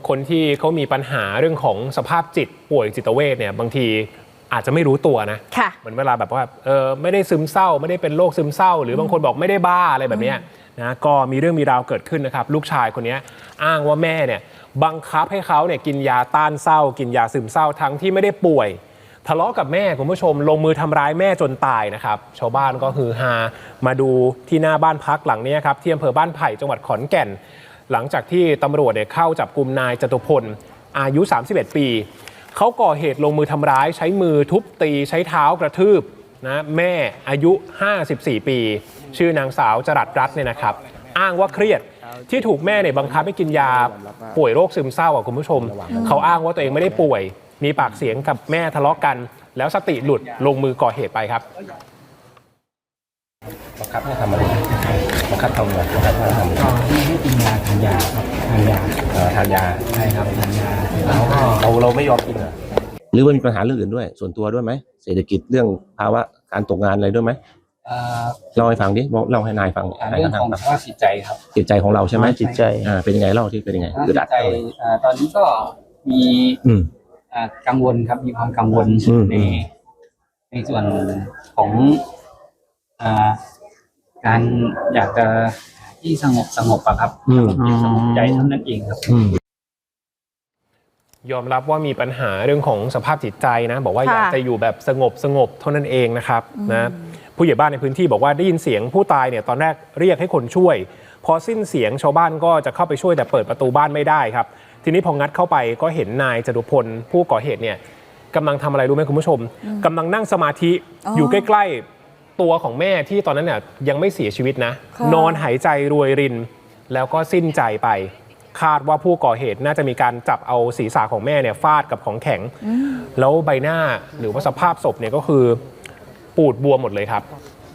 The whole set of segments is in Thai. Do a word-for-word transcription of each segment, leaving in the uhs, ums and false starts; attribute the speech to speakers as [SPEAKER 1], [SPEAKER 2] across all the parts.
[SPEAKER 1] คนที่เขามีปัญหาเรื่องของสภาพจิตป่วยจิตเวชเนี่ยบางทีอาจจะไม่รู้ตัวนะเหมือนเวลาแบบว่าเออไม่ได้ซึมเศร้าไม่ได้เป็นโรคซึมเศร้าหรือบางคนบอกไม่ได้บ้าอะไรแบบนี้นะก็มีเรื่องมีราวเกิดขึ้นนะครับลูกชายคนนี้อ้างว่าแม่เนี่ยบังคับให้เขาเนี่ยกินยาต้านเศร้ากินยาซึมเศร้าทั้งที่ไม่ได้ป่วยทะเลาะกับแม่คุณผู้ชมลงมือทำร้ายแม่จนตายนะครับชาวบ้านก็ฮือฮามาดูที่หน้าบ้านพักหลังนี้ครับที่อำเภอบ้านไผ่จังหวัดขอนแก่นหลังจากที่ตำรวจเนี่ยเข้าจับกุมนายจตุพลอายุสามสิบเอ็ดปีเขาก่อเหตุลงมือทำร้ายใช้มือทุบตีใช้เท้ากระทืบนะแม่อายุห้าสิบสี่ปีชื่อนางสาวจรัสรัตน์เนี่ยนะครับอ้างว่าเครียดที่ถูกแม่เนี่ยบังคับให้กินยาป่วยโรคซึมเศร้าอ่ะคุณผู้ชมเขาอ้างว่าตัวเองไม่ได้ป่วยมีปากเสียงกับแม่ทะเลาะกันแล้วสติหลุดลงมือก่อเหตุไปครับ
[SPEAKER 2] บังคับให้ทำอะไรบังคับทำอะไรบังคับให้ทำก็ให้กินยาทานยาครับทานยาทานยาใช่ครับทานยาแล้วก็เราเราไม่ยอมกินเหรอหรือว่ามีปัญหาเรื่องอื่นด้วยส่วนตัวด้วยไหมเศรษฐกิจเรื่องภาวะการตกงานอะไรด้วยไหมเล่าให้ฟังดิเล่าให้นายฟัง
[SPEAKER 3] เรื่องของสภาพจิตใจครับ
[SPEAKER 2] จิตใจของเราใช่ไหม
[SPEAKER 3] จิตใจ
[SPEAKER 2] อ่าเป็นยังไงเล่าที่เป็นยังไง
[SPEAKER 3] จิตใจตอนนี้ก็มีกังวลครับมีความกังวลในในส่วนของการอยากจะที่สงบสงบอะครับสงบใจเท่านั้นเองครับ
[SPEAKER 1] ยอมรับว่ามีปัญหาเรื่องของสภาพจิตใจนะบอกว่าอยากจะอยู่แบบสงบสงบเท่านั้นเองนะครับนะผู้ใหญ่บ้านในพื้นที่บอกว่าได้ยินเสียงผู้ตายเนี่ยตอนแรกเรียกให้คนช่วยพอสิ้นเสียงชาวบ้านก็จะเข้าไปช่วยแต่เปิดประตูบ้านไม่ได้ครับทีนี้พองัดเข้าไปก็เห็นนายจตุพลผู้ก่อเหตุเนี่ยกำลังทำอะไรรู้ไหมคุณผู้ชมกำลังนั่งสมาธิอยู่ใกล้ๆตัวของแม่ที่ตอนนั้นเนี่ยยังไม่เสียชีวิตนะนอนหายใจรวยรินแล้วก็สิ้นใจไปคาดว่าผู้ก่อเหตุน่าจะมีการจับเอาศีรษะของแม่เนี่ยฟาดกับของแข็งแล้วใบหน้าหรือว่าสภาพศพเนี่ยก็คือปูดบวมหมดเลยครับ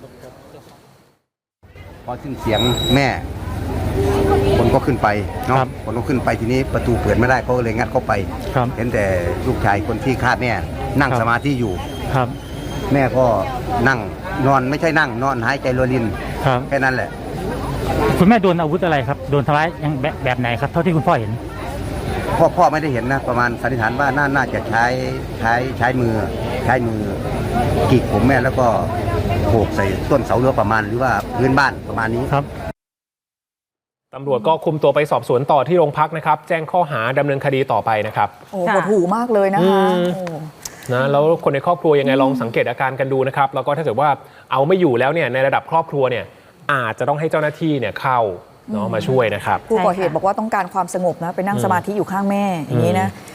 [SPEAKER 4] พอสิ้นเสียงแม่คนก็ขึ้นไปเนาะคนก็ขึ้นไปทีนี้ประตูเปิดไม่ได้เขาเลยงัดเข้าไปเห็นแต่ลูกชายคนที่คาดแม่นั่งสมาธิอยู่
[SPEAKER 5] ครับ
[SPEAKER 4] แม่ก็นั่งนอนไม่ใช่นั่งนอนหายใจรวยรินแค่นั้นแหละ
[SPEAKER 5] คุณแม่โดนอาวุธอะไรครับโดนทำร้ายยังแบบแบบไหนครับเท่าที่คุณพ่อเห็น
[SPEAKER 4] พ่อพ่อไม่ได้เห็นนะประมาณสันนิษฐานว่าน่าน่าจะใช้ใช้ใช้มือใช้มือกีกผมแม่แล้วก็โขกใส่ต้นเสาเรือประมาณหรือว่าพื้นบ้านประมาณนี้
[SPEAKER 5] ครับ
[SPEAKER 1] ตำรวจก็คุมตัวไปสอบสวนต่อที่โรงพักนะครับแจ้งข้อหาดำเนินคดีต่อไปนะครับ
[SPEAKER 6] โอ้โหถูกมากเลยนะคะ
[SPEAKER 1] นะแล้วคนในครอบครัวยังไงลองสังเกตอาการกันดูนะครับแล้วก็ถ้าเกิดว่าเอาไม่อยู่แล้วเนี่ยในระดับครอบครัวเนี่ยอาจจะต้องให้เจ้าหน้าที่เนี่ยเข้าเนาะมาช่วยนะครับ
[SPEAKER 6] ผู้ก่อเหตุบอกว่าต้องการความสงบนะไปนั่งสมาธิอยู่ข้างแม่อย่างนี้นะ